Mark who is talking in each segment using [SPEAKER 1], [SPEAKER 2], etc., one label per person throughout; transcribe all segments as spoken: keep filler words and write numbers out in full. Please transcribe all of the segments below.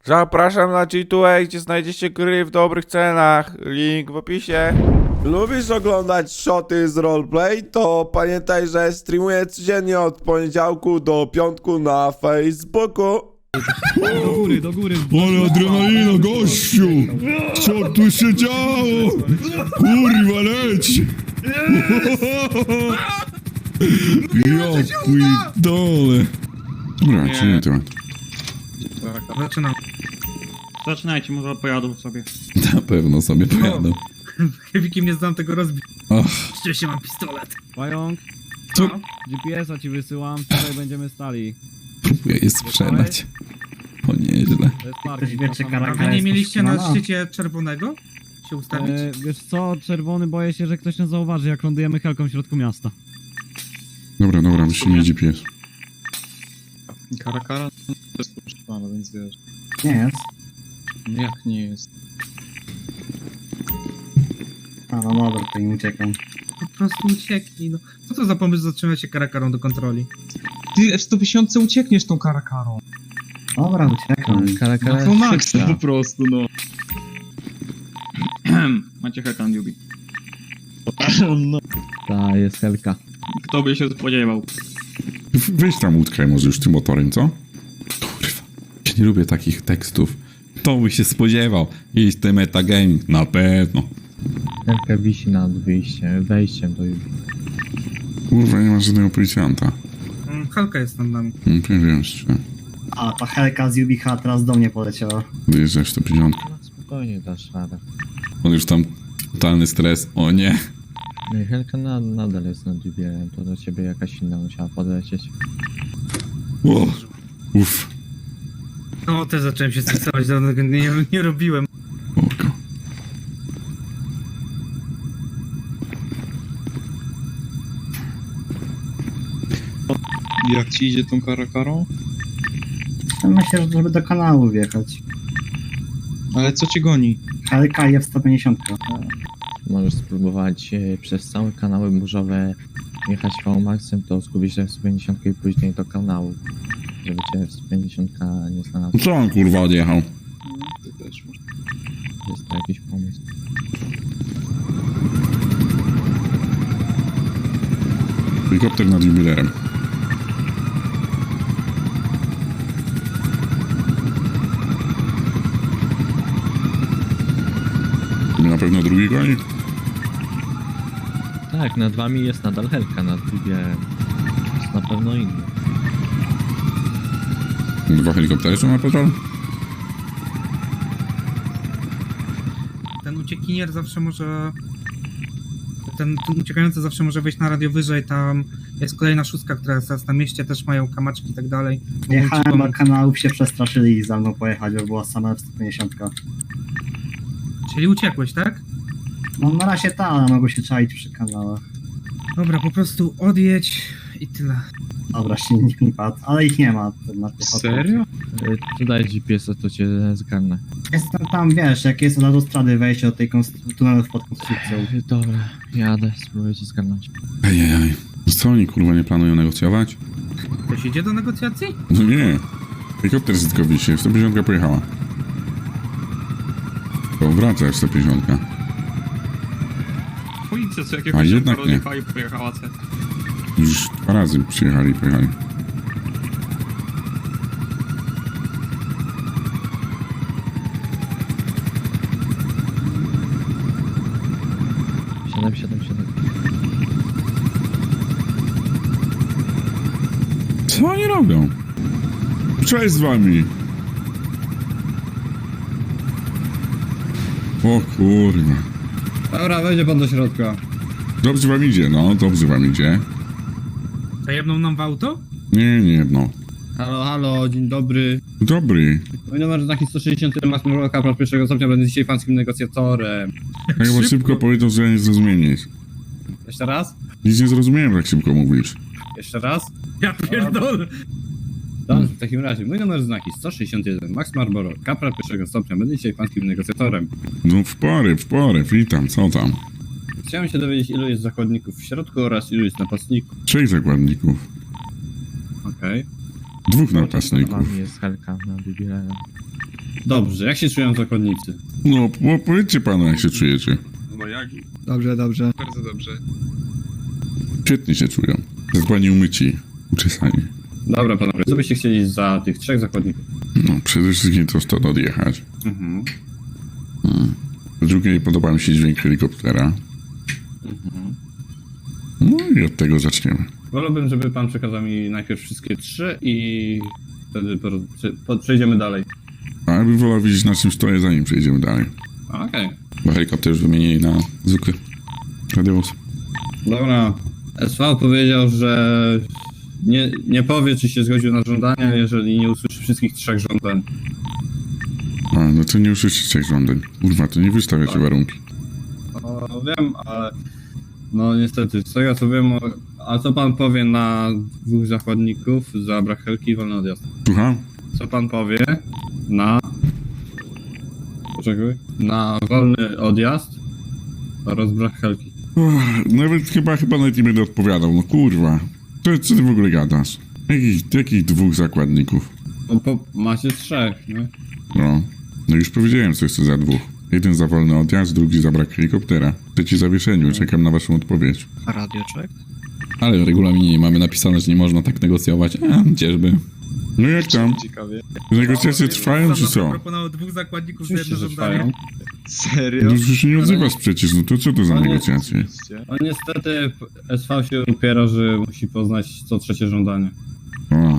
[SPEAKER 1] Zapraszam na G dwa A, gdzie znajdziecie gry w dobrych cenach. Link w opisie. Lubisz oglądać shoty z roleplay? To pamiętaj, że streamuję codziennie od poniedziałku do piątku na Facebooku.
[SPEAKER 2] Do góry, do góry.
[SPEAKER 3] Ale adrenalina, gościu! Co tu się działo? Kurwa, leć! Ja pierdolę. Dobra, czy nie temat?
[SPEAKER 2] Zaczynam. Zaczynajcie, może pojadą sobie.
[SPEAKER 3] Na pewno sobie pojadę.
[SPEAKER 2] Heavykiem nie znam tego rozbić.
[SPEAKER 3] Och,
[SPEAKER 2] Szczęście mam pistolet.
[SPEAKER 4] Pająk,
[SPEAKER 3] co?
[SPEAKER 4] G P S a ci wysyłam, tutaj będziemy stali.
[SPEAKER 3] Próbuję je sprzedać. O, nieźle.
[SPEAKER 4] To jest parking.
[SPEAKER 5] wie, czy
[SPEAKER 4] tam
[SPEAKER 5] Karaka
[SPEAKER 2] A
[SPEAKER 4] mamy-
[SPEAKER 2] wy nie mieliście na
[SPEAKER 5] powstrzymana?
[SPEAKER 2] szczycie czerwonego się ustawić?
[SPEAKER 4] E, wiesz co, czerwony, boję się, że ktoś nas zauważy, jak lądujemy helką w środku miasta.
[SPEAKER 3] Dobra, dobra, wyślij G P S.
[SPEAKER 6] Karakara to jest poszukiwana, więc wiesz.
[SPEAKER 5] Nie jest.
[SPEAKER 6] Jak nie jest?
[SPEAKER 5] A no dobra, to nie uciekam.
[SPEAKER 2] Po prostu ucieknij, no. Co to za pomysł zatrzymać się karakarą do kontroli?
[SPEAKER 6] Ty w sto tysięcy uciekniesz tą karakarą.
[SPEAKER 5] Dobra, uciekam.
[SPEAKER 6] No to maksa po prostu, no.
[SPEAKER 2] Macie hekan, Yubi.
[SPEAKER 6] no.
[SPEAKER 4] Ta, jest helka.
[SPEAKER 2] Kto by się spodziewał?
[SPEAKER 3] W- Weź tam utkaj może już tym motorem, co? Kurwa, ja nie lubię takich tekstów. Kto by się spodziewał? Jest to metagaming, na pewno.
[SPEAKER 7] Helka wisi nad wyjściem, wejściem do już.
[SPEAKER 3] Kurwa, nie ma żadnego policjanta.
[SPEAKER 2] Mm, Halka jest nad nami.
[SPEAKER 3] Nie wiem, czy
[SPEAKER 5] A, ta helka z Jubicha teraz do mnie poleciała.
[SPEAKER 3] dojeżdżasz sto pięćdziesiąt.
[SPEAKER 7] No spokojnie dasz radę.
[SPEAKER 3] On już tam totalny stres. O nie.
[SPEAKER 7] No i Helka na, nadal jest nad jubileem, to do ciebie jakaś inna musiała podlecieć.
[SPEAKER 3] O, uff.
[SPEAKER 2] No, też zacząłem się stresować, dawno tego nie, nie robiłem.
[SPEAKER 3] Oko.
[SPEAKER 6] Jak ci idzie tą karakarą?
[SPEAKER 5] Myślę, że żeby do kanału wjechać.
[SPEAKER 6] Ale co cię goni?
[SPEAKER 5] Helka i F sto pięćdziesiąt.
[SPEAKER 7] Możesz spróbować e, przez całe kanały burzowe jechać V-Maxem, to zgubisz F sto pięćdziesiąt i później do kanału. Żeby cię F sto pięćdziesiąt nie znalazł.
[SPEAKER 3] Co on kurwa odjechał?
[SPEAKER 6] Ty też masz.
[SPEAKER 7] Jest to jakiś pomysł.
[SPEAKER 3] Helikopter nad jubilerem. Na pewno drugi goni?
[SPEAKER 7] Tak, nad wami jest nadal Helka, nad jubileem. Jest na pewno inny.
[SPEAKER 3] Dwa helikoptery są na patrol?
[SPEAKER 2] Ten uciekinier zawsze może... Ten, ten uciekający zawsze może wejść na radio wyżej, tam jest kolejna szóstka, która jest teraz na mieście, też mają kamaczki i tak dalej. Mogą ci
[SPEAKER 5] Jechałem do
[SPEAKER 2] pomóc.
[SPEAKER 5] kanałów, się przestraszyli i za mną pojechać, bo była sama F sto pięćdziesiąt.
[SPEAKER 2] Czyli uciekłeś, tak?
[SPEAKER 5] No na razie ta, ale mogą się czaić przy kanałach.
[SPEAKER 2] Dobra, po prostu odjedź i tyle.
[SPEAKER 5] Dobra, silnik mi padł, ale ich nie ma. Na piechotę.
[SPEAKER 6] Serio?
[SPEAKER 7] E, Tu daj G P S a, to cię zgarnę.
[SPEAKER 5] Jestem tam, wiesz, jak jest od autostrady wejście do tej konstru- tunelów pod konstrukcją.
[SPEAKER 7] E, Dobra, jadę, spróbuję cię zgarnąć.
[SPEAKER 3] Ejejej. Co oni kurwa nie planują negocjować?
[SPEAKER 2] Ktoś idzie do negocjacji?
[SPEAKER 3] No nie. Helikopter z tylko wisi. sto pięćdziesiąt pojechała. To wraca sto pięćdziesiąt.
[SPEAKER 2] Policja co
[SPEAKER 3] A
[SPEAKER 2] jakiegoś
[SPEAKER 3] jednak nie.
[SPEAKER 2] i pojechała C.
[SPEAKER 3] Już dwa razy przyjechali i pojechali.
[SPEAKER 7] Siadam, siadam, siadam.
[SPEAKER 3] Co oni robią? Cześć z wami! O kurwa.
[SPEAKER 8] Dobra, wejdzie pan do środka.
[SPEAKER 3] Dobrze wam idzie, no, dobrze wam idzie.
[SPEAKER 2] Zajebną nam w auto?
[SPEAKER 3] Nie, nie, no.
[SPEAKER 8] Halo, halo, dzień dobry.
[SPEAKER 3] Dobry.
[SPEAKER 8] Mój numer znaki sto sześćdziesiąt jeden, Max Morloka, praw pierwszego stopnia, będę dzisiaj pańskim negocjatorem.
[SPEAKER 3] Tak bo szybko powiedział, że nie zrozumiesz.
[SPEAKER 8] Jeszcze raz?
[SPEAKER 3] Nic nie zrozumiałem, jak szybko mówisz.
[SPEAKER 8] Jeszcze raz?
[SPEAKER 2] Ja pierdolę.
[SPEAKER 8] Dobrze, w takim razie, mój numer znaki sto sześćdziesiąt jeden, Max Marlboro, kapral pierwszego stopnia, będę dzisiaj pańskim negocjatorem.
[SPEAKER 3] No w porę, w porę, witam, co tam?
[SPEAKER 8] Chciałem się dowiedzieć, ilu jest zakładników w środku oraz ilu jest napastników.
[SPEAKER 3] Trzech zakładników.
[SPEAKER 8] Okej.
[SPEAKER 3] Dwóch
[SPEAKER 7] Za
[SPEAKER 3] napastników.
[SPEAKER 7] wami jest Helka nad jubileem.
[SPEAKER 8] Dobrze, jak się czują zakładnicy?
[SPEAKER 3] No, po- powiedzcie panu, jak się czujecie.
[SPEAKER 9] Dobrze, dobrze.
[SPEAKER 6] Bardzo dobrze.
[SPEAKER 3] Świetnie się czują. Zadbani umyci, uczesani.
[SPEAKER 8] Dobra, panowie, co byście chcieli za tych trzech zakładników?
[SPEAKER 3] No, przede wszystkim to stąd odjechać.
[SPEAKER 8] Mhm.
[SPEAKER 3] Hmm. Po drugie, nie podoba mi się dźwięk helikoptera.
[SPEAKER 8] Mhm.
[SPEAKER 3] No i od tego zaczniemy.
[SPEAKER 8] Wolałbym, żeby pan przekazał mi najpierw wszystkie trzy i wtedy po, po, przejdziemy dalej.
[SPEAKER 3] A ja bym wolał widzieć, na czym stoję, zanim przejdziemy dalej.
[SPEAKER 8] Okej.
[SPEAKER 3] Bo helikopter już wymienili na zwykły radiowóz.
[SPEAKER 8] Dobra. S V powiedział, że nie, nie powie, czy się zgodził na żądania, jeżeli nie usłyszy wszystkich trzech żądań.
[SPEAKER 3] A, no to nie usłyszycie trzech żądań. Kurwa, to nie wystawiacie warunki.
[SPEAKER 8] No, wiem, ale no niestety, z tego co wiem, o- a co pan powie na dwóch zakładników za brak helki i wolny odjazd?
[SPEAKER 3] Słucham?
[SPEAKER 8] Co pan powie na... Poczekaj. Na wolny odjazd oraz brak helki?
[SPEAKER 3] Uff, nawet chyba, chyba nawet nie będę odpowiadał, no kurwa. To, co ty w ogóle gadasz? Jakich, jakich dwóch zakładników?
[SPEAKER 8] No, po, macie trzech, nie?
[SPEAKER 3] No, no już powiedziałem, co jest to za dwóch. Jeden za wolny odjazd, drugi za brak helikoptera. Trzeci za wieszeniu, czekam na waszą odpowiedź.
[SPEAKER 9] A radioczek?
[SPEAKER 3] Ale w regulaminie nie mamy napisane, że nie można tak negocjować. A, gdzieżby. No jak tam?
[SPEAKER 6] Ciekawie.
[SPEAKER 3] Negocjacje trwają, czy co?
[SPEAKER 2] Proponował dwóch zakładników za
[SPEAKER 8] Oczywiście,
[SPEAKER 2] jedno
[SPEAKER 8] że
[SPEAKER 2] żądanie.
[SPEAKER 8] trwają.
[SPEAKER 6] Serio?
[SPEAKER 3] No już się nie odzywasz przecież, no to co to za
[SPEAKER 8] Ale-
[SPEAKER 3] negocjacje?
[SPEAKER 8] No niestety S V się upiera, że musi poznać co trzecie żądanie.
[SPEAKER 3] O.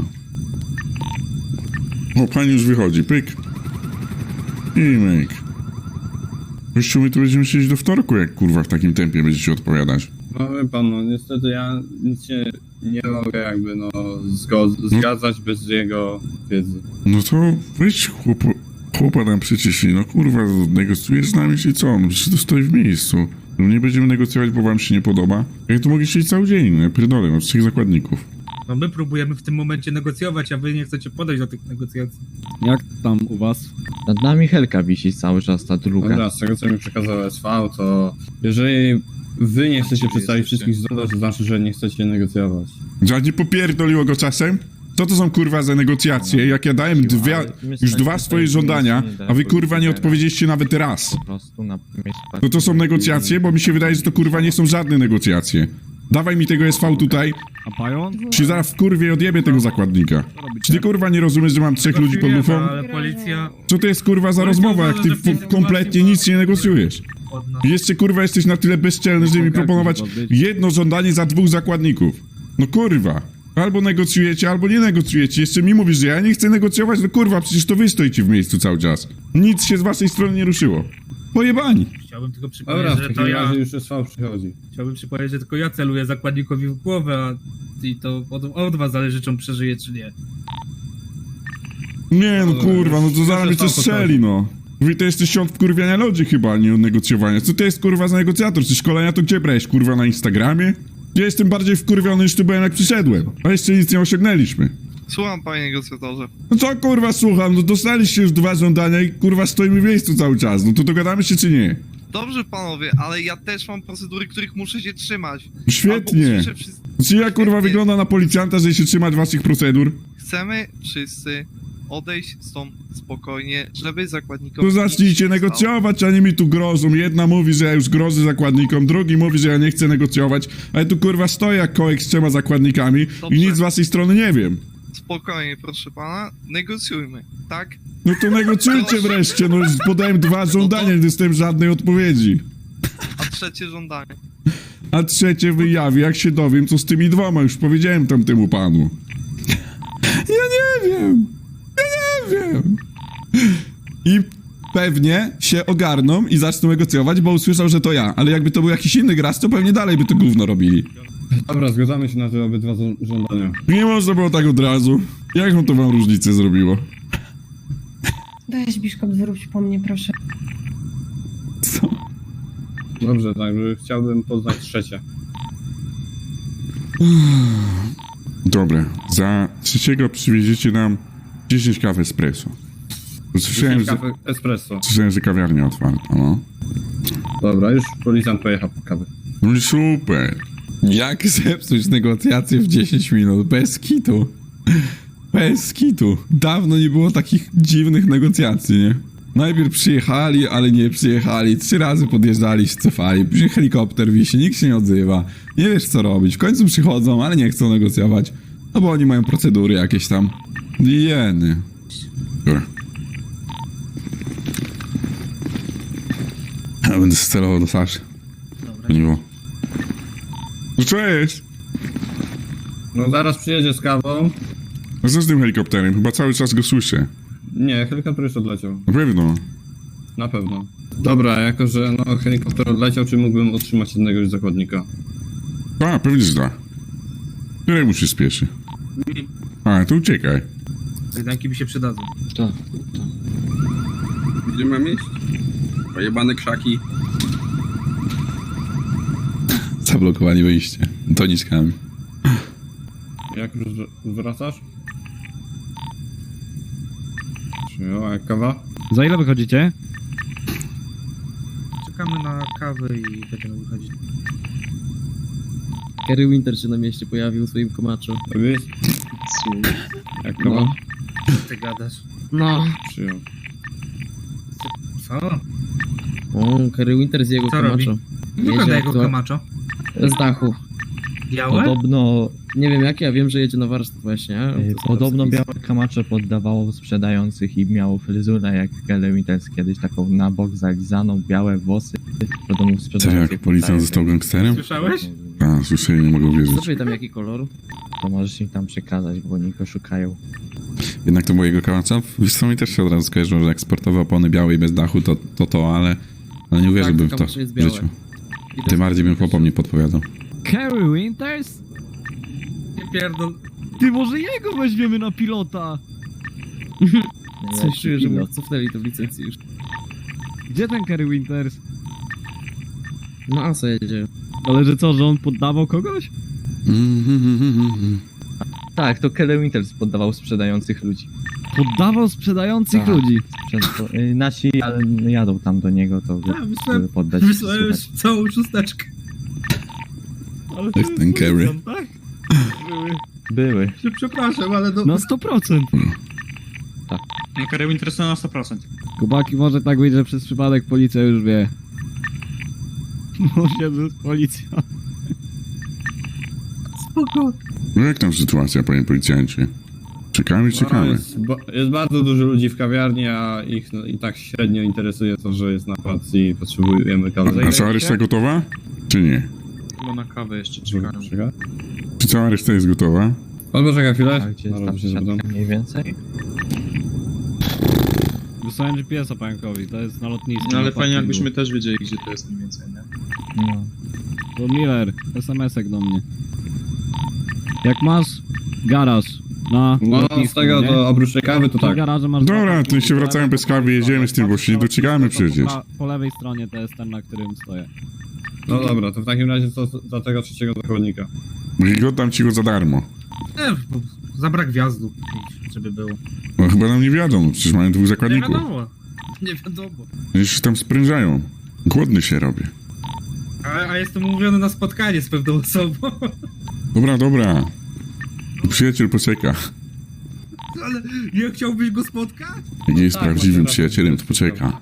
[SPEAKER 3] O, pani już wychodzi, pyk. I myk. Właściwie my tu będziemy siedzieć do wtorku, jak kurwa w takim tempie będziecie odpowiadać.
[SPEAKER 8] No wie pan, no niestety ja nic się nie mogę jakby no zgo- zgadzać bez jego wiedzy.
[SPEAKER 3] No to weź chłopo, chłopa tam przyciśnij, no kurwa, negocjujesz z nami czy co? No przecież to stoi w miejscu. No nie będziemy negocjować, bo wam się nie podoba. Jak to mogę siedzieć cały dzień, no ja pierdolę, no trzech zakładników.
[SPEAKER 2] No my próbujemy w tym momencie negocjować, a wy nie chcecie podejść do tych negocjacji.
[SPEAKER 4] Jak tam u was?
[SPEAKER 7] Nad nami helka wisi cały czas, ta druga.
[SPEAKER 8] Dobra, z tego co mi przekazał S V, to jeżeli wy nie chcecie przedstawić wszystkich żądań, to znaczy, że nie chcecie negocjować.
[SPEAKER 3] Ja nie popierdoliło go czasem? Co to są kurwa za negocjacje? Jak ja dałem dwie, już dwa swoje żądania, a wy kurwa nie odpowiedzieliście nawet raz.
[SPEAKER 7] Po prostu na miejscu.
[SPEAKER 3] To to są negocjacje? Bo mi się wydaje, że to kurwa nie są żadne negocjacje. Dawaj mi tego S V tutaj,
[SPEAKER 4] A Pajon?
[SPEAKER 3] się zaraz w kurwie odjebie tego zakładnika. Czy ty kurwa nie rozumiesz, że mam trzech ludzi pod lufą?
[SPEAKER 2] Ale policja
[SPEAKER 3] Co to jest kurwa za rozmowa, jak ty po- kompletnie nic nie negocjujesz?
[SPEAKER 2] od nas.
[SPEAKER 3] I jeszcze kurwa jesteś na tyle bezczelny, żeby mi proponować jedno żądanie za dwóch zakładników. No kurwa. Albo negocjujecie, albo nie negocjujecie. Jeszcze mi mówisz, że ja nie chcę negocjować, no kurwa, przecież to wy stoicie w miejscu cały czas. Nic się z waszej strony nie ruszyło. Pojebani.
[SPEAKER 2] Chciałbym tylko przypomnieć,
[SPEAKER 8] Dobra, w
[SPEAKER 2] że to
[SPEAKER 8] takim
[SPEAKER 2] ja...
[SPEAKER 8] razie już S V przychodzi.
[SPEAKER 2] Chciałbym przypomnieć, że tylko ja celuję zakładnikowi w głowę, a i to od, od was zależy, czy on przeżyje, czy nie.
[SPEAKER 3] Nie no kurwa, no to zaraz mnie
[SPEAKER 8] Już
[SPEAKER 3] coś
[SPEAKER 8] to
[SPEAKER 3] strzeli, no. Wy to jesteś świąt wkurwiania ludzi chyba, a nie od negocjowania. Co to jest kurwa za negocjator? Czy szkolenia to gdzie brałeś, kurwa, na Instagramie? Ja jestem bardziej wkurwiony niż tu byłem, jak przyszedłem. A jeszcze nic nie osiągnęliśmy.
[SPEAKER 10] Słucham, panie negocjatorze.
[SPEAKER 3] No co kurwa słucham, no dostaliście już dwa żądania i kurwa stoimy w miejscu cały czas. No to dogadamy się czy nie?
[SPEAKER 10] Dobrze, panowie, ale ja też mam procedury, których muszę się trzymać.
[SPEAKER 3] Świetnie.
[SPEAKER 10] Albo usłyszę wszyscy-
[SPEAKER 3] Czy ja kurwa
[SPEAKER 10] Świetnie.
[SPEAKER 3] wygląda na policjanta, że się trzymać waszych procedur?
[SPEAKER 10] Chcemy wszyscy odejść stąd spokojnie, żeby zakładnikom...
[SPEAKER 3] To zacznijcie
[SPEAKER 10] nic się nie stało.
[SPEAKER 3] negocjować, a nie mi tu grożą. Jedna mówi, że ja już grożę zakładnikom, drugi mówi, że ja nie chcę negocjować, ale tu kurwa stoję jak kołek z trzema zakładnikami
[SPEAKER 10] Dobrze.
[SPEAKER 3] i nic z waszej strony nie wiem.
[SPEAKER 10] Spokojnie, proszę pana, negocjujmy, tak?
[SPEAKER 3] No to negocjujcie wreszcie, no już podałem dwa żądania, nie dostałem żadnej odpowiedzi.
[SPEAKER 10] A trzecie żądanie.
[SPEAKER 3] A trzecie wyjawi, jak się dowiem, co z tymi dwoma, już powiedziałem tamtemu panu. Ja nie wiem. Ja nie wiem. I pewnie się ogarną i zaczną negocjować, bo usłyszał, że to ja. Ale jakby to był jakiś inny gracz, to pewnie dalej by to gówno robili.
[SPEAKER 8] Dobra, zgadzamy się na te obydwa żą- żądania.
[SPEAKER 3] Nie można było tak od razu. Jaką to wam różnicę zrobiło?
[SPEAKER 11] Weź, Biszkop, zwróć po mnie, proszę.
[SPEAKER 3] Co?
[SPEAKER 8] Dobrze, także chciałbym poznać trzecie.
[SPEAKER 3] Dobra, za trzeciego przywieziecie nam dziesięć kaw espresso. Słyszałem,
[SPEAKER 8] dziesięć
[SPEAKER 3] że,
[SPEAKER 8] kawy espresso.
[SPEAKER 3] słyszałem, że kawiarnia otwarta, no.
[SPEAKER 8] Dobra, już policjant pojechał po kawę.
[SPEAKER 3] No i super. Jak zepsuć negocjacje w dziesięć minut? Bez kitu. Bez kitu. Dawno nie było takich dziwnych negocjacji, nie? Najpierw przyjechali, ale nie przyjechali. Trzy razy podjeżdżali, się cofali. Później helikopter wisi, nikt się nie odzywa. Nie wiesz co robić. W końcu przychodzą, ale nie chcą negocjować. No bo oni mają procedury jakieś tam. Jeny. Dobra. Ja będę celował do Saszy.
[SPEAKER 2] Dobra.
[SPEAKER 3] Miło. No cześć!
[SPEAKER 8] No zaraz przyjedzie z kawą.
[SPEAKER 3] A co z tym helikopterem? Chyba cały czas go słyszę.
[SPEAKER 8] Nie, helikopter już odleciał.
[SPEAKER 3] Na pewno.
[SPEAKER 8] Na pewno. Dobra, jako że no, helikopter odleciał, czy mógłbym otrzymać jednego już zakładnika?
[SPEAKER 3] A, pewnie że da. Któremu się spieszy? A, to uciekaj.
[SPEAKER 2] Kajdanki mi się przydadzą.
[SPEAKER 7] Tak.
[SPEAKER 6] Gdzie mam iść? Pojebane krzaki.
[SPEAKER 3] Zablokowanie wyjście. Doniczkami.
[SPEAKER 8] Jak już wr- wracasz? Przyjął, a jak kawa?
[SPEAKER 4] Za ile wychodzicie?
[SPEAKER 2] Czekamy na kawę i będziemy wychodzić.
[SPEAKER 7] Kerry Winter się na mieście pojawił w swoim komaczu.
[SPEAKER 8] Robisz? Jak kawa?
[SPEAKER 7] No.
[SPEAKER 2] Co ty gadasz?
[SPEAKER 7] No.
[SPEAKER 8] Przyjął.
[SPEAKER 2] Co?
[SPEAKER 7] O, Kerry Winter z jego
[SPEAKER 2] Co robi?
[SPEAKER 7] komaczu.
[SPEAKER 2] Wygląda jego
[SPEAKER 7] aktua-
[SPEAKER 2] kamaczo.
[SPEAKER 7] Z dachu.
[SPEAKER 2] Białe?
[SPEAKER 7] Podobno, nie wiem jak, ja wiem, że jedzie na warsztat właśnie. To jest
[SPEAKER 12] Podobno
[SPEAKER 7] spis.
[SPEAKER 12] białe kamacze poddawało sprzedających i miało fryzurę jak Kelly Winters kiedyś, taką na bok zalizaną, białe włosy. Podobno
[SPEAKER 3] Serio,
[SPEAKER 12] sprzedających
[SPEAKER 3] jak policjant został gangsterem?
[SPEAKER 2] Słyszałeś?
[SPEAKER 3] A, słyszę, nie mogę uwierzyć.
[SPEAKER 7] Zapytam jaki kolor.
[SPEAKER 12] To możesz im tam przekazać, bo oni go szukają.
[SPEAKER 3] Jednak to było jego kałacza? Wiesz co, mi też się od razu skojarzyło, że jak sportowe opony białe i bez dachu, to to, to ale... Ale nie uwierzyłbym
[SPEAKER 7] Tak,
[SPEAKER 3] w to
[SPEAKER 7] kamacze jest
[SPEAKER 3] w
[SPEAKER 7] białe.
[SPEAKER 3] życiu.
[SPEAKER 7] I to
[SPEAKER 3] Tym bardziej bym chłopom nie podpowiadał.
[SPEAKER 4] Kerry Winters?
[SPEAKER 2] Nie pierdol.
[SPEAKER 4] Ty, może jego weźmiemy na pilota?
[SPEAKER 7] Coś czuję, że mu cofnęli to w licencji już.
[SPEAKER 4] Gdzie ten Kerry Winters?
[SPEAKER 7] No a co jedzie?
[SPEAKER 4] Ale że co, że on poddawał kogoś?
[SPEAKER 12] Tak, to Kelly Winters poddawał sprzedających ludzi.
[SPEAKER 4] Poddawał sprzedających
[SPEAKER 12] Tak.
[SPEAKER 4] ludzi.
[SPEAKER 12] Sprzed... y, Nasi, ale no, jadą tam do niego, to
[SPEAKER 2] Tak, wysłałem-
[SPEAKER 12] żeby poddać się
[SPEAKER 2] Wysłałem już
[SPEAKER 12] słuchać.
[SPEAKER 2] całą szósteczkę.
[SPEAKER 4] Ale
[SPEAKER 3] To jest ten Kerry.
[SPEAKER 4] tak?
[SPEAKER 12] Były.
[SPEAKER 2] Przepraszam, ale no...
[SPEAKER 4] Na sto procent.
[SPEAKER 6] No Kerry Winter na sto procent.
[SPEAKER 4] Kubaki, może tak być, że przez przypadek policja już wie. Może to jest policja.
[SPEAKER 2] Spoko.
[SPEAKER 3] No jak tam sytuacja, panie policjancie? Czekamy,
[SPEAKER 8] No,
[SPEAKER 3] czekamy.
[SPEAKER 8] jest, ba- jest bardzo dużo ludzi w kawiarni, a ich no, i tak średnio interesuje to, że jest napad i potrzebujemy kawy.
[SPEAKER 3] A cała reszta gotowa? Czy nie?
[SPEAKER 6] Chyba na kawę jeszcze
[SPEAKER 8] Czekaj.
[SPEAKER 6] czekam.
[SPEAKER 3] Czy cała reszta jest gotowa?
[SPEAKER 8] Pan poczeka
[SPEAKER 12] A
[SPEAKER 8] chwilę.
[SPEAKER 12] gdzie
[SPEAKER 8] Na
[SPEAKER 12] jest ta
[SPEAKER 8] razie się zapytam.
[SPEAKER 12] przesiadka mniej więcej?
[SPEAKER 4] Wysłałem G P S-a pająkowi, to jest na lotnisku.
[SPEAKER 6] No ale
[SPEAKER 4] na
[SPEAKER 6] fajnie
[SPEAKER 4] parkingu.
[SPEAKER 6] jakbyśmy też wiedzieli, gdzie to jest mniej więcej, nie?
[SPEAKER 12] No.
[SPEAKER 4] To Miller, es em esek do mnie. Jak masz garaż na
[SPEAKER 8] No
[SPEAKER 4] lotnisku,
[SPEAKER 8] z tego
[SPEAKER 4] nie?
[SPEAKER 8] do oprócz tej kawy to
[SPEAKER 4] W tym
[SPEAKER 8] tak.
[SPEAKER 4] garażu masz
[SPEAKER 3] Dobra,
[SPEAKER 4] dwa
[SPEAKER 3] to
[SPEAKER 4] parkingi,
[SPEAKER 3] się
[SPEAKER 4] po
[SPEAKER 3] wracamy
[SPEAKER 4] lewej,
[SPEAKER 3] bez
[SPEAKER 4] po
[SPEAKER 3] kawy,
[SPEAKER 4] prawej
[SPEAKER 3] jedziemy z tym, bo się nie
[SPEAKER 4] patrzysz
[SPEAKER 3] doczekamy
[SPEAKER 4] na lotnisko, to
[SPEAKER 3] przecież.
[SPEAKER 4] Po, pra- po lewej stronie to jest ten, na którym stoję.
[SPEAKER 8] No dobra, to w takim razie to za tego trzeciego zakładnika.
[SPEAKER 3] I oddam ci go za darmo.
[SPEAKER 2] Nie, bo za brak wjazdu, żeby było.
[SPEAKER 3] No chyba nam nie wiadomo, przecież mają dwóch
[SPEAKER 2] Nie
[SPEAKER 3] zakładników.
[SPEAKER 2] wiadomo. Nie wiadomo.
[SPEAKER 3] Już się tam sprężają. Głodny się robię.
[SPEAKER 2] A, a jestem umówiony na spotkanie z pewną osobą.
[SPEAKER 3] Dobra, dobra. Przyjaciel poczeka.
[SPEAKER 2] Ale nie chciałbyś go spotkać?
[SPEAKER 3] Jak jest
[SPEAKER 8] tak,
[SPEAKER 3] prawdziwym
[SPEAKER 8] macie rację.
[SPEAKER 3] przyjacielem, to poczeka.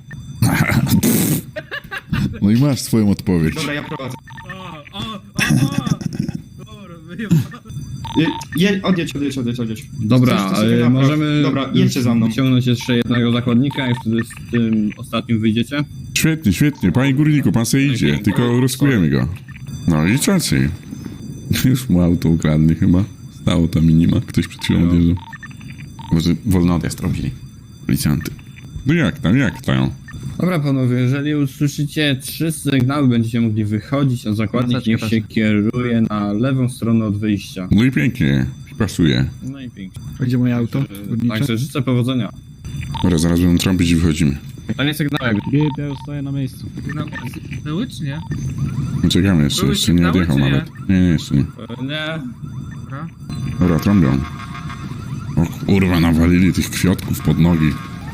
[SPEAKER 3] No i masz swoją odpowiedź.
[SPEAKER 9] Dobra, ja prowadzę.
[SPEAKER 2] O, o, o, o. Dobra, wyjebane.
[SPEAKER 9] Je, je, odjedź, odjedź, odjedź, odjedź.
[SPEAKER 8] Dobra,
[SPEAKER 9] Coś, co sobie
[SPEAKER 8] ale
[SPEAKER 9] napraw-
[SPEAKER 8] możemy
[SPEAKER 9] Dobra, jedźcie za mną.
[SPEAKER 8] wyciągnąć jeszcze jednego zakładnika i wtedy z tym ostatnim wyjdziecie.
[SPEAKER 3] Świetnie, świetnie. Panie górniku, pan se idzie, tylko rozkujemy go. No i czacy. Już mu auto ukradli chyba. Stało tam i nie ma. Ktoś przed chwilą
[SPEAKER 8] No.
[SPEAKER 3] odjeżdżał. Może wolny odjazd robili. Policjanty. No jak tam, jak tam?
[SPEAKER 8] Dobra panowie, jeżeli usłyszycie trzy sygnały, będziecie mogli wychodzić, a zakładnik
[SPEAKER 12] Maseczkę
[SPEAKER 8] niech
[SPEAKER 12] też.
[SPEAKER 8] się kieruje na lewą stronę od wyjścia.
[SPEAKER 3] No i pięknie. Pasuje.
[SPEAKER 8] No i pięknie.
[SPEAKER 9] A gdzie moje auto?
[SPEAKER 8] Także- Także życzę powodzenia.
[SPEAKER 3] Dobra, zaraz będą trąbić i wychodzimy.
[SPEAKER 8] Panie sygnał,
[SPEAKER 4] Git, ja już stoję na miejscu.
[SPEAKER 2] No, były czy nie?
[SPEAKER 3] No czekamy jeszcze,
[SPEAKER 2] Były
[SPEAKER 3] jeszcze nie
[SPEAKER 2] sygnały,
[SPEAKER 3] odjechał
[SPEAKER 2] czy nie?
[SPEAKER 3] nawet. Nie, nie, jeszcze nie.
[SPEAKER 8] Nie.
[SPEAKER 2] Dobra.
[SPEAKER 3] Dobra, trąbią. O kurwa, nawalili tych kwiatków pod nogi.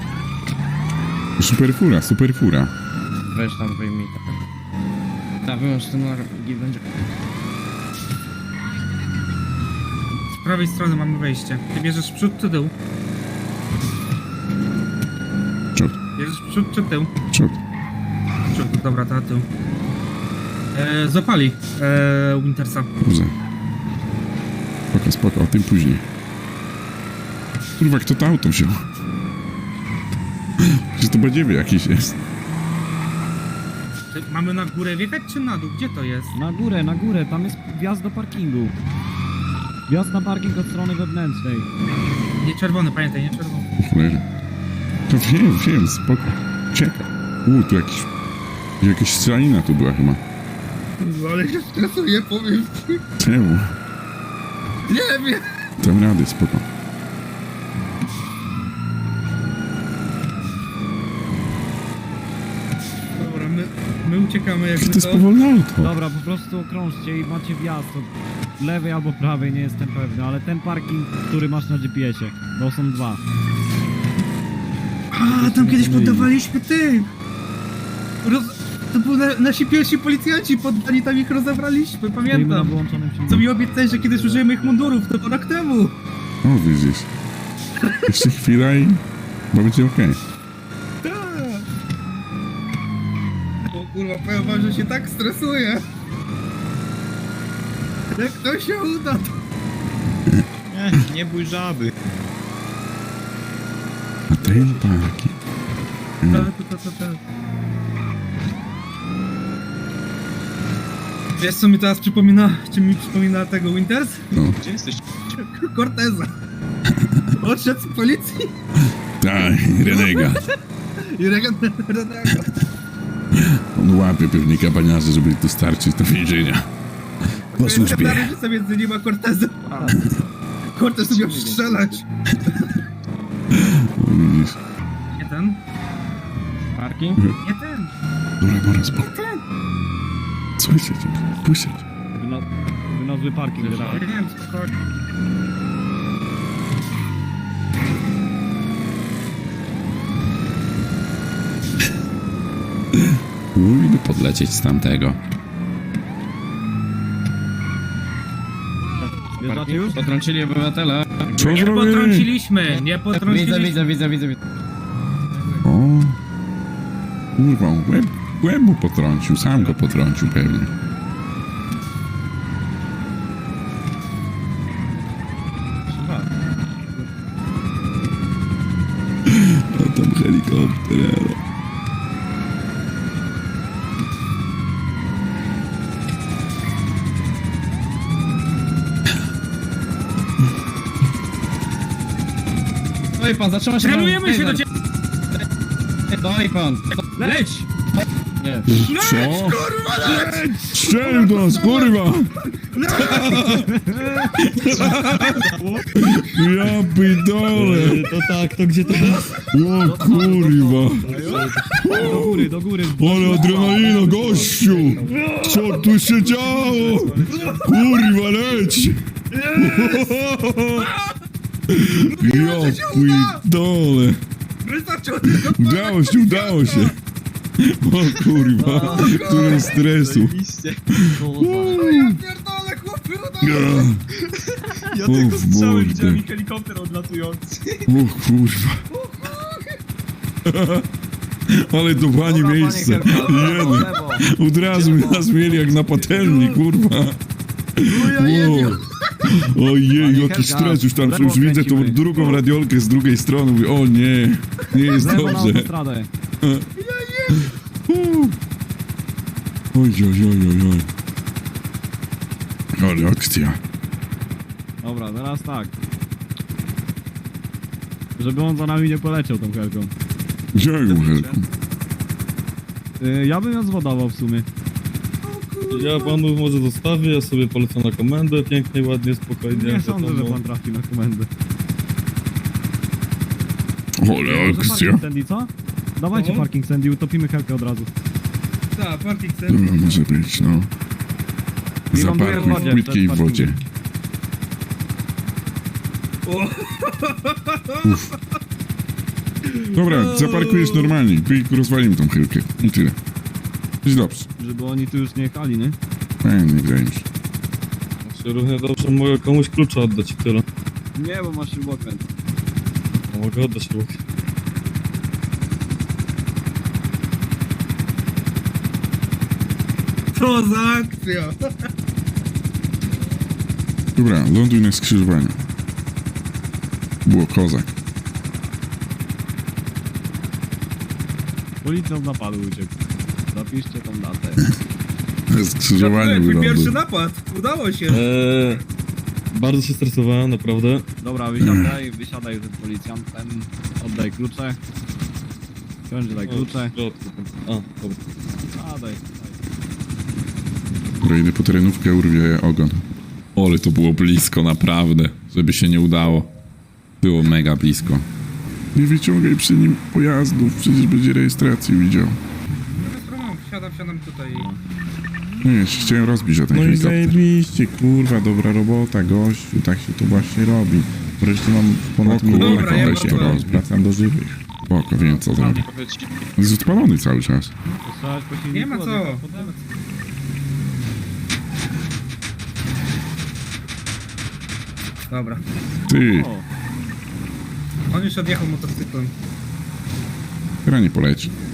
[SPEAKER 3] Super fura, super fura.
[SPEAKER 7] Weź tam wyjmij tak. Tak, wyłącz ten alarm i będzie.
[SPEAKER 2] prawej strony mamy wejście. Ty bierzesz przód czy tył?
[SPEAKER 3] Przód.
[SPEAKER 2] Bierzesz przód czy tył?
[SPEAKER 3] Przód.
[SPEAKER 2] Przód, dobra, to tył. E, zapali e, Wintersa.
[SPEAKER 3] Dobrze. Spoko, spoko, o tym później. Kurwa, kto to auto wziął? Czy to badziewie jakiś jest?
[SPEAKER 2] Czy mamy na górę wjechać czy na dół? Gdzie to jest?
[SPEAKER 4] Na górę, na górę, tam jest wjazd do parkingu. Wjazd na parking od strony wewnętrznej.
[SPEAKER 2] Nie czerwony, pamiętaj, nie czerwony.
[SPEAKER 3] Cholera. To wiem, wiem, spoko. Czekaj. U, tu jakiś... Jakaś strzelanina tu była chyba.
[SPEAKER 10] Ale się stresuję, powiem ci.
[SPEAKER 3] Czemu?
[SPEAKER 10] Nie wiem.
[SPEAKER 3] Dam radę, spoko.
[SPEAKER 2] Dobra, my, my uciekamy jakby
[SPEAKER 3] To jest
[SPEAKER 2] to.
[SPEAKER 3] powolne auto.
[SPEAKER 4] Dobra, po prostu okrążcie i macie wjazd od lewej albo prawej, nie jestem pewny, ale ten parking, który masz na G P S-ie, to są dwa.
[SPEAKER 2] A, tam kiedyś poddawaliśmy tych! Roz... To byli na, nasi pierwsi policjanci poddani, tam ich rozebraliśmy,
[SPEAKER 4] Stoimy na
[SPEAKER 2] pamiętam.
[SPEAKER 4] wyłączonym
[SPEAKER 2] Co
[SPEAKER 4] silniku.
[SPEAKER 2] mi obiecałeś, że kiedyś użyjemy ich mundurów, to rok temu.
[SPEAKER 3] O, widzisz. Jeszcze chwila i... Bo będzie okej.
[SPEAKER 2] Tak. O kurwa, powiem wam, że się tak stresuję. Jak to się uda, to...
[SPEAKER 6] Nie, nie bój żaby.
[SPEAKER 3] A ten parking.
[SPEAKER 2] To, to, to, to. Wiesz co mi teraz przypomina, czy mi przypomina tego Winters?
[SPEAKER 3] No.
[SPEAKER 6] Gdzie jesteś?
[SPEAKER 2] Corteza. Odszedł z policji
[SPEAKER 3] Tak, renegat.
[SPEAKER 2] i regan- renego.
[SPEAKER 3] On łapie pewnie kapaniarzy, żeby dostarczyć do więzienia. Po służbie.
[SPEAKER 2] Ja różnica między nim a Cortezem. Cortez umiał strzelać.
[SPEAKER 3] O, widzisz.
[SPEAKER 2] Nie ten?
[SPEAKER 6] Parking?
[SPEAKER 2] Nie ten.
[SPEAKER 3] Dobra, dobra, spoko. Co się dzieje? Puść się.
[SPEAKER 4] Wyno- Wynozły parking, tak.
[SPEAKER 2] Nie wiem, spokojnie.
[SPEAKER 3] Mógłby podlecieć z tamtego.
[SPEAKER 4] Wjeżdżacie już?
[SPEAKER 6] Potrącili obywatela.
[SPEAKER 3] Co
[SPEAKER 2] Nie
[SPEAKER 3] zrobili?
[SPEAKER 2] potrąciliśmy, nie potrąciliśmy.
[SPEAKER 6] widzę, widzę, widzę.
[SPEAKER 3] O. Kurwa, łeb, łeb mu potrącił, sam go potrącił pewnie. A tam helikopter, ale...
[SPEAKER 6] Stoi pan, zatrzyma się pan.
[SPEAKER 2] Trenujemy się do ciebie.
[SPEAKER 6] Stoi pan.
[SPEAKER 2] Leć!
[SPEAKER 6] Nie.
[SPEAKER 3] Co? Strzelił do nas, kurwa! Ja pidole!
[SPEAKER 6] To tak, to gdzie to jest?
[SPEAKER 3] O kurwa!
[SPEAKER 4] Do góry, do góry.
[SPEAKER 3] Ale adrenalina, gościu! Co tu się działo? Kurwa, leć! Ja pidole!
[SPEAKER 2] Wystarczy od tego.
[SPEAKER 3] Udało się, udało się! O kurwa, który stresu!
[SPEAKER 2] Ja pierdolę, chłopy, udało.
[SPEAKER 3] Ja tylko strzały widziałem
[SPEAKER 6] helikopter odlatujący.
[SPEAKER 3] O kurwa. Ale to fajne miejsce. Jeden. Od razu nas mieli jak na patelni, kurwa. Wow. Ojej, jaki stres, już tam już widzę tą drugą radiolkę z drugiej strony. Mówię, o nie, nie jest
[SPEAKER 4] Lewo na
[SPEAKER 3] dobrze.
[SPEAKER 4] autostradę.
[SPEAKER 3] Oj, oj, oj, oj, oj. Ale akcja.
[SPEAKER 4] Dobra, teraz tak. Żeby on za nami nie poleciał tą helką.
[SPEAKER 3] Gdzie ją helką?
[SPEAKER 4] Y, ja bym ją zwodował w sumie.
[SPEAKER 8] Ja panu może zostawię, ja sobie polecę na komendę, pięknie, ładnie, spokojnie.
[SPEAKER 4] Nie sądzę, że pan trafi na komendę.
[SPEAKER 3] Ale
[SPEAKER 4] Może
[SPEAKER 3] akcja.
[SPEAKER 4] parking Sandy, co? Dawajcie
[SPEAKER 2] No.
[SPEAKER 4] parking Sandy, utopimy helkę od razu.
[SPEAKER 2] Tak, parking center.
[SPEAKER 3] Dobra, może być, no.
[SPEAKER 4] I ląduje w
[SPEAKER 3] Zaparkuj
[SPEAKER 4] wodzie,
[SPEAKER 3] w płytkiej
[SPEAKER 4] przed
[SPEAKER 3] wodzie. Uff. Dobra, zaparkujesz normalnie i rozwalimy tą chylkę. I tyle. Jest dobrze.
[SPEAKER 4] Żeby oni tu już nie jechali, nie?
[SPEAKER 3] Fajnie, wydaje mi się.
[SPEAKER 8] Równie dobrze mogę komuś klucza oddać i tyle.
[SPEAKER 4] Nie, bo masz śrubokręt.
[SPEAKER 8] Mogę oddać śrubkę.
[SPEAKER 2] Co za akcja!
[SPEAKER 3] Dobra, ląduj na skrzyżowaniu. Było kozak.
[SPEAKER 4] Policjant napadu uciekł. Zapiszcie tą datę.
[SPEAKER 3] Na skrzyżowaniu
[SPEAKER 2] Twój pierwszy
[SPEAKER 3] wyląduj.
[SPEAKER 2] napad! Udało się!
[SPEAKER 8] Eee, bardzo się stresowałem, naprawdę.
[SPEAKER 4] Dobra, wysiadaj, wysiadaj z tym policjantem. Oddaj klucze. Wsiądź, daj klucze.
[SPEAKER 8] A, dobra.
[SPEAKER 4] A, daj.
[SPEAKER 3] Dobra, idę po terenówkę, urwie ogon. Ale to było blisko, naprawdę. Żeby się nie udało. Było mega blisko. Nie wyciągaj przy nim pojazdów, przecież będzie rejestracji widział.
[SPEAKER 2] Wsiadam, wsiadam tutaj.
[SPEAKER 3] No nie, się chciałem rozbić o ten
[SPEAKER 1] No i
[SPEAKER 3] helikopter.
[SPEAKER 1] zajebiście, kurwa, dobra robota, gościu, tak się to właśnie robi. Wreszcie mam ponad
[SPEAKER 3] O kurwa,
[SPEAKER 1] milion
[SPEAKER 2] Dobra, ja
[SPEAKER 1] koleś, to
[SPEAKER 2] wracam.
[SPEAKER 1] roz, wracam do żywych.
[SPEAKER 3] Spoko, wiem co zrobię. Jest odpalony cały czas.
[SPEAKER 4] Posłuchać po silniku,
[SPEAKER 2] Nie ma co.
[SPEAKER 4] odjechał potem.
[SPEAKER 2] Dobra.
[SPEAKER 3] Ty,
[SPEAKER 4] O,
[SPEAKER 2] On już odjechał motocyklem.
[SPEAKER 3] teraz nie poleci.